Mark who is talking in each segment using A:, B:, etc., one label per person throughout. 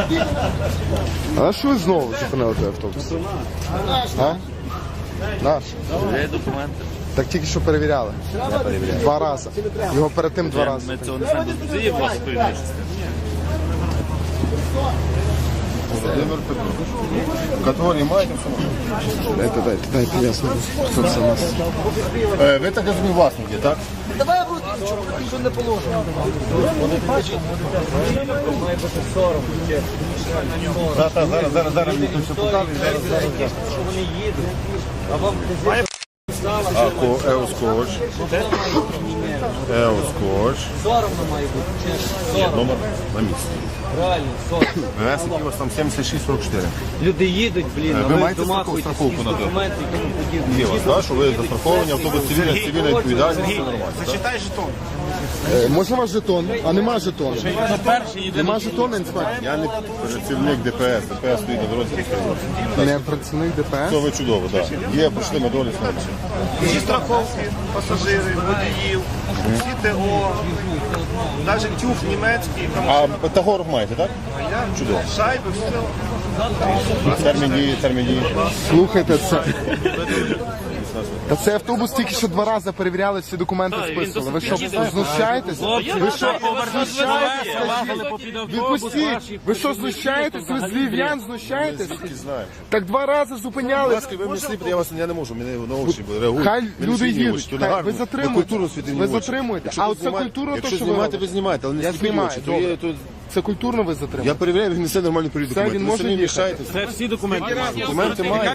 A: А що ви знову зупинили той автобус? А? Наш?
B: Є документи.
A: Так тільки що перевіряли. Два рази. Його перед тим два рази.
B: Ми цього не знаємо. Це є вас перевірити.
C: Володимир Петрович. Категорії маєте все?
A: Дайте ясно. Хто це у нас?
C: Ви так розумієте, власники, так?
D: Давай я буду що не положено.
C: Зараз мені тут все показує.
D: Що вони їдуть. А вам
C: Еоскоч. Еоскоч.
D: соромно має бути. Чесно.
C: Номер на місці.
D: Реально, соромно.
C: ВС, який у вас там 7644.
D: Люди їдуть, блін, а
C: Ви
D: ви
C: маєте
D: домахуєтесь,
C: страховку на те?
D: документи і тому подібне.
C: Є у вас, так, що ви застраховані, автобус цивільна відповідальність, все нормально.
E: Зачитай жетон.
A: Можна ваш жетон? А нема жетону. Нема жетону, інспектор?
C: Я не працівник ДПС, ДПС стоїть на дорозі.
A: Не працівник ДПС?
C: Це ви чудово, так. Є пройшли ми долі.
E: Всі страховки, пасажири, водіїв, всі ТО, навіть тюф німецький, там
C: А тагоров маєте, так? Чудово.
E: шайби, все.
C: Термін дії.
A: Слухайте, це... Та цей автобус тільки що два рази перевіряли, всі документи списували. Ви що, знущаєтесь? Ви що, відпустіть! Ви що, знущаєтесь? Ви з львів'ян знущаєтесь?
C: Знаю.
A: Так два рази зупиняли.
C: Будь ласка, ви мені сліпите, я не можу, мене на очі реагують.
A: Хай
C: Мене
A: люди
C: світні
A: їдуть,
C: очі, то
A: хай,
C: не гарно.
A: ви затримуєте.
C: Культуру світить
A: Ви
C: очі.
A: затримуєте.
C: Якщо
A: А
C: ви
A: оце
C: знімаєте-
A: культура, то
C: якщо
A: що ви
C: знімаєте, ви
A: робите?
C: знімаєте, але не
A: Я
C: сліпіть
A: знімаю,
C: очі.
A: добре.
C: То
A: Це культурно ви затримуєте?
C: я перевіряю, він несе нормальні період
A: Це він
C: документи. Ви
A: може
C: самі
A: їхати.
C: мішаєте.
B: Це всі документи.
C: Документи мають.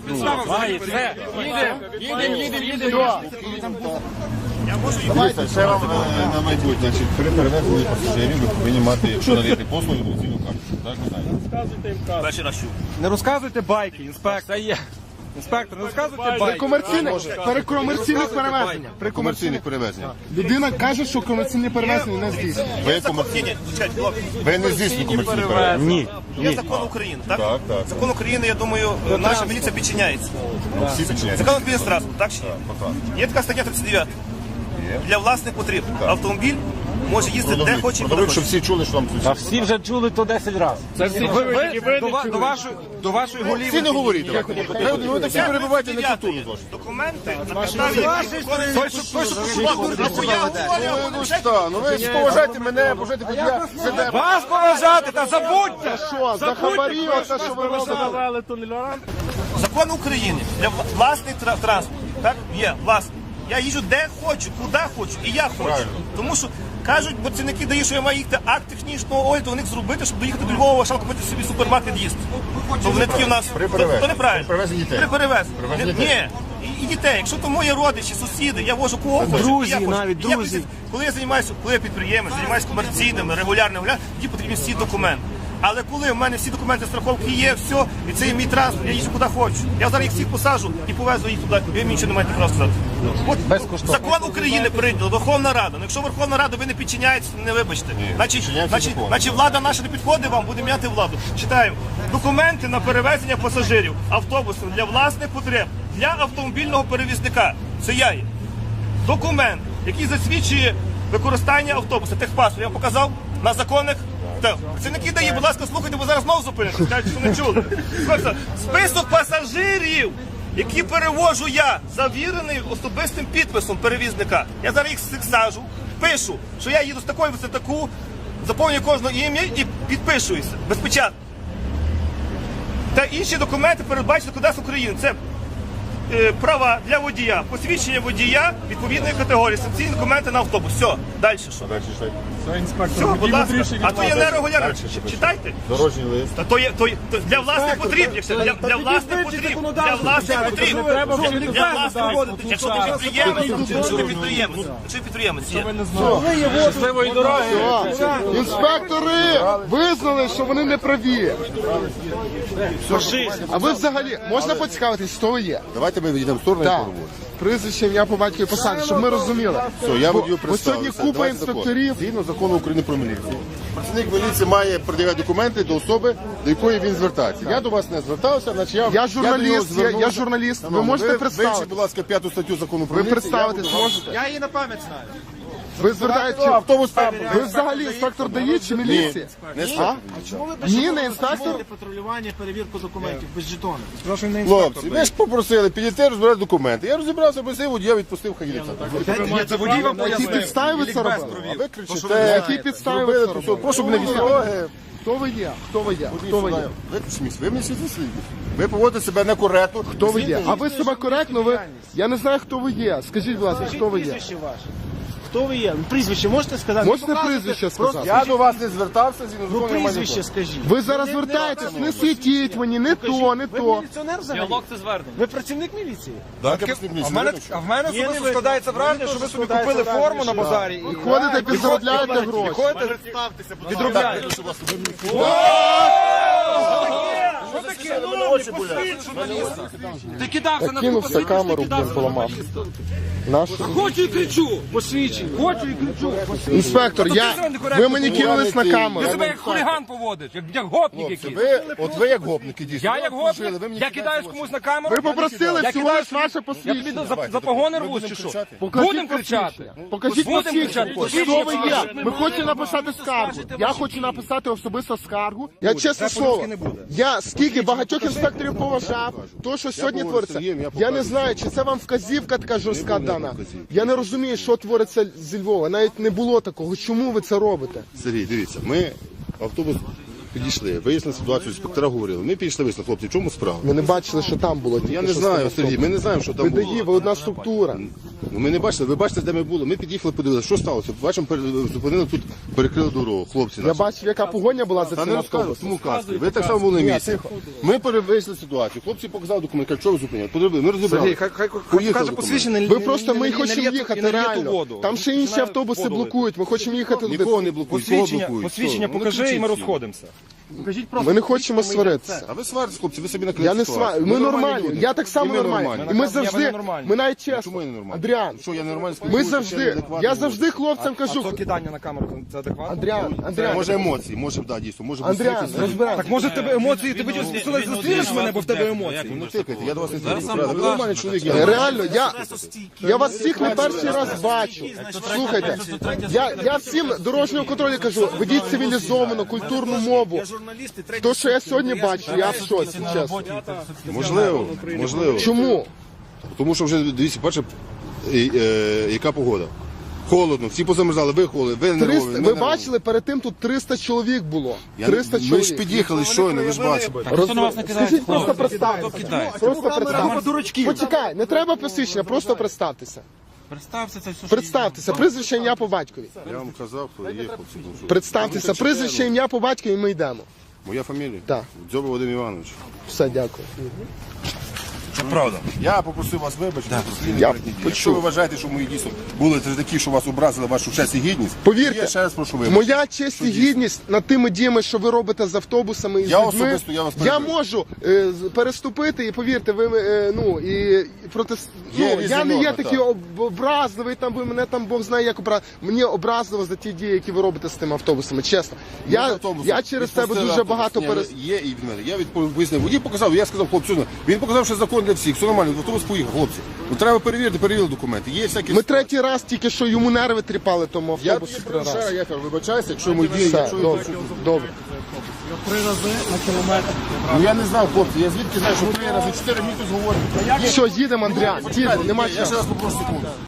C: Дивіться, ще вам на майбутнє. Значить, при перевезенні пасажирів ви повинні мати, якщо надаєте послуги, емоційну карту. Так, ви знаєте.
B: Перший раз чув.
F: Не розказуйте байки, інспектор. Інспектор, не розказуйте байки.
A: При комерційних перевезеннях.
C: При комерційних перевезеннях.
A: Людина каже, що комерційні перевезення не здійснює.
C: Ви комерційні. Ви не здійснюєте комерційні перевезення.
F: Ні.
E: Є закон України, так?
C: Так, так.
E: Закон України, я думаю, наша міліція підчиняється.
C: Всі підчиняються.
E: Закон України транспорт, так чи ні? Є така стаття 39. Для власних потреб. Автомобіль може їздити де хоче і куди
C: Продовжуй, щоб
E: хоче.
C: всі чули, що вам тут.
F: Всі вже чули то 10 разів. До вашої голів.
C: Всі не говоріть. Ви так всі перебуваєте на культуру.
E: Документи на підставі
C: Ну ви ж поважайте мене, поважайте водія.
F: Вас поважати, та забудьте!
A: Що, за хабарі, оце що ви робите?
E: Закон України для власний транспорт. Так, є власний. Я їжджу де хочу, куди хочу, і я хочу.
C: Правильно.
E: Тому що кажуть, працівники дають, що я маю їхати акт технічного огляду, у них зробити, щоб доїхати до Львова, шалку купити собі супермаркет їсти. То вони такі в нас
C: При перевезенні.
E: то неправильно.
C: При перевезенні дітей.
E: При перевезенні.
C: Перевезенні
E: Ні. І дітей. Якщо то мої родичі, сусіди, я вожу кого хочу.
F: Друзі,
E: і я хочу.
F: навіть
E: І я
F: друзі.
E: коли я займаюся, коли я підприємець, займаюся комерційними, регулярними, тоді потрібні всі документи. Але коли в мене всі документи страховки є, все, і це є мій транспорт, я їжджу куди хочу. Я зараз їх всіх посаджу і повезу їх туди, ви мені нічого не маєте права сказати. От закон України прийняла, Верховна Рада. Ну, якщо Верховна Рада ви не підчиняєтеся, не вибачте. Значить, влада наша не підходить вам, буде міняти владу. Читаю. Документи на перевезення пасажирів автобусом для власних потреб, для автомобільного перевізника. Це я є. Документ, який засвідчує використання автобуса, техпаспорт, я вам показав на законних. Працівники ДАІ, будь ласка, слухайте, бо зараз знову зупините, скажуть, що не чули. Список пасажирів, які перевожу я, завірений особистим підписом перевізника. Я зараз їх всіх сажу, пишу, що я їду з такої висоти таку, заповнюю кожне ім'я і підпишуюся, без печатки. Та інші документи передбачені Кодексом України. Це права для водія, посвідчення водія відповідної категорії, санкційні документи на автобус. Все, далі що? Все, будь ласка. А то є нерегулярно. Читайте.
C: Дорожній лист.
E: Та то є для власних потріб, для власних потріб, для власних потріб. Для власних потріб. Якщо ти підприємець, є.
F: Щасливої дороги!
A: Інспектори визнали, що вони не праві. А ви взагалі, можна поцікавитись, хто ви є?
C: Давайте ми відійдемо в сторону і
A: Так.
C: поговоримо.
A: Прізвище, ім'я по батькові посаді, щоб ми розуміли.
C: Все, я водію
A: Бо сьогодні
C: представився.
A: купа
C: Давайте
A: інспекторів.
C: закон. Згідно закону України про міліцію. Працівник міліції має пред'являти документи до особи, до якої він звертається. Я до вас не звертався, значить
A: Я журналіст, я журналіст. Ви можете
C: Вивчіть,
A: представити.
C: будь ласка, 5 статтю закону про
A: Ви
C: міліцію.
A: представитись можете?
F: Я її на пам'ять знаю.
A: Ви звертаєте...
C: Автобус
A: Ви взагалі інспектор ДАІ чи міліція?
C: Не
A: Ні, не інспектор.
G: Патрулювання, перевірку документів без жетону.
F: Прошу не інспектор.
C: Хлопці, ви ж попросили підійти розбирати документи. Я розібрався, просив водія, відпустив, хай їде.
F: Це водій вам
A: На якій
F: пояснив.
A: підставі ви це робили?
C: А ви кричите,
A: На якій підставі ви це робили?
C: прошу мене від дороги.
A: Хто ви є? Хто ви є? Хто ви є?
C: Ви мені світло світло. Ви поводите себе некоректно.
A: Хто ви є? А ви себе коректно, ви... Я не знаю, хто ви є. Скажіть, будь ласка, хто ви є?
G: Прізвище ваше. Хто ви є? Прізвище можете сказати?
A: Можете прізвище сказати?
C: Я до вас не звертався, зі
G: Ну прізвище скажіть.
A: Ви зараз звертаєтесь, не світіть мені, не то, не
G: Ви
A: то.
G: міліціонер взагалі?
B: Діалог це звернення.
G: Ви працівник міліції?
F: А в мене особисто
G: ви-
F: складається враження, що ви собі купили форму на базарі і
A: Ходите, підзаробляєте гроші.
F: ходите, відробляєте.
H: Ти кидався на
A: Кинувся камеру, блін, поламав. Нашу.
H: Хочу і кричу, посвідчення. Хочу і кричу.
A: Інспектор, ви мені кинулись на
H: Ти
A: камеру.
H: себе як хуліган поводиш, як гопник якийсь.
C: Ви як гопники дійсно.
H: Я як гопник, я кидаюсь комусь на камеру.
A: Ви попросили
H: Я
A: всього
H: кидаюсь-
A: лиш ваше
H: Я тобі
A: посвідчення.
H: за погони рвусь чи що? Будемо кричати.
A: Покажіть
H: Будемо
A: посвідчення.
H: кричати.
A: Хто ви є? Ми хочемо написати скаргу. Я хочу написати особисто скаргу. Я чесне слово, я скільки багатьох інспекторів поважав, то, що сьогодні твориться. Я не знаю, чи це вам вказівка така жорстка дана. Я не розумію, що твориться зі Львова. Навіть не було такого. Чому ви це робите?
C: Сергій, дивіться, ми автобус підійшли, вияснили ситуацію, інспектора говорили. Ми підійшли, вияснили, хлопці, в чому справа?
A: Ми не бачили, що там було.
C: Я не знаю, Сергій, ми не знаємо, що там
A: Ви
C: було.
A: ДАІ, ви одна структура.
C: Ну, ми не бачили, ви бачите, де ми були. Ми під'їхали, подивилися, що сталося. Бачимо, зупинили тут, перекрили дорогу, хлопці
A: Я
C: наші.
A: бачив, яка погоня була за
C: Та
A: цим
C: не розказуй,
A: автобусом.
C: тому казки. Ви так само були на місці. Ми перевезли ситуацію. Хлопці показали документ, кажуть, що ви зупиняли. Подивили, ми розібрали.
F: Сергій, хай
C: Поїхали
F: покаже
C: документи.
F: посвідчення.
A: Ви просто, ми хочемо їхати реально.
F: воду.
A: Там ще інші
F: Починає
A: автобуси
F: воду лити.
A: блокують. Ми хочемо їхати туди.
C: Нікого не блокують, кого
F: Посвідчення,
C: блокують.
F: посвідчення
C: Що? Ну,
F: покажи і
C: кричіть
F: ми
C: всі.
F: розходимося.
A: Ми не хочемо сваритися.
C: А ви сваритесь, хлопці, ви собі накрили
A: Я не
C: ситуацію.
A: сварю. Ми нормальні.
C: люди.
A: Я так само
C: І ми
A: нормальний. І ми завжди,
F: нормальні.
A: ми навіть
C: Чому
A: чесно.
C: я не нормальний?
A: Андріан,
C: Що, я нормально
A: ми
C: спілкуюся,
A: завжди,
C: адекватно
A: я
C: говорю?
A: завжди хлопцям
F: А
A: кажу.
F: це кидання на камеру, це адекватно?
A: Андріан,
C: Може емоції, може, да, дійсно, може
A: Андріан,
C: посвітитися.
A: розбирайся.
F: Так може в тебе емоції, ти зустрінеш мене, бо в тебе емоції.
C: Ну, тикайте, я до вас не тикаю. Ви нормальний чоловік, я
A: Реально, я вас всіх не перший раз бачу. Слухайте, я всім дорожнього контролю кажу, ведіть цивілізовану, культурну мову.
G: Журналісти,
A: То, що я сьогодні бачу, я в шоці, чесно.
C: Можливо, можливо.
A: Чому?
C: Тому що вже, дивіться, бачите, яка погода. Холодно, всі позамерзали, ви холодні, ви нервові.
A: 300,
C: ми
A: ви
C: нервові.
A: бачили, перед тим тут 300 чоловік було.
C: Я-
A: 300
C: Ми ж
A: чоловік.
C: під'їхали щойно, ви ж бачите.
A: Скажіть, просто представтеся. Просто представтеся. Почекай, не треба посвідчення, просто представтеся.
B: Представся, це все.
A: Представтеся, прізвище, ім'я по батькові.
C: Я вам казав, хто є, хлопці. ну що.
A: Представтеся, прізвище, ім'я по батькові, і ми йдемо.
C: Моя фамілія?
A: Так.
C: Дзьоба Вадим Іванович.
A: Все, дякую.
C: Це правда. Я попросив вас вибачити.
A: Я
C: Якщо ви вважаєте, що мої дійсно були такі, що вас образили вашу честь і гідність,
A: Повірте,
C: я ще раз прошу вибачити.
A: моя честь і гідність над тими діями, що ви робите з автобусами і з
C: Я
A: людьми,
C: особисто, я вас
A: я
C: перебив.
A: можу переступити, і повірте, ви ну і проти
C: Є
A: ну,
C: різні
A: я не є
C: норми,
A: такий
C: так.
A: образливий, там ви мене там Бог знає, як мені образливо за ті дії, які ви робите з тими автобусами. Чесно, я через тебе дуже багато
C: Є і від мене. Я пояснив, водій показав, я сказав, хлопцю, він показав, що закон для всіх, все нормально, автобус поїхав, хлопці. Ну треба перевірили документи. Є всякі.
A: Ми третій раз тільки що йому нерви тріпали тому
C: Я
A: автобусу. три рази.
C: я вибачаюся, якщо мої дії,
A: Все,
C: якщо
A: добре, добре.
G: 3 рази на кілометр.
C: Ну я не знав, хлопці, я звідки знаю, що 3 рази, 4 мені тут говорять.
A: Що, їдемо, Андріан, їдемо, нема
C: Я ще
A: чого.
C: раз попрошу секунду.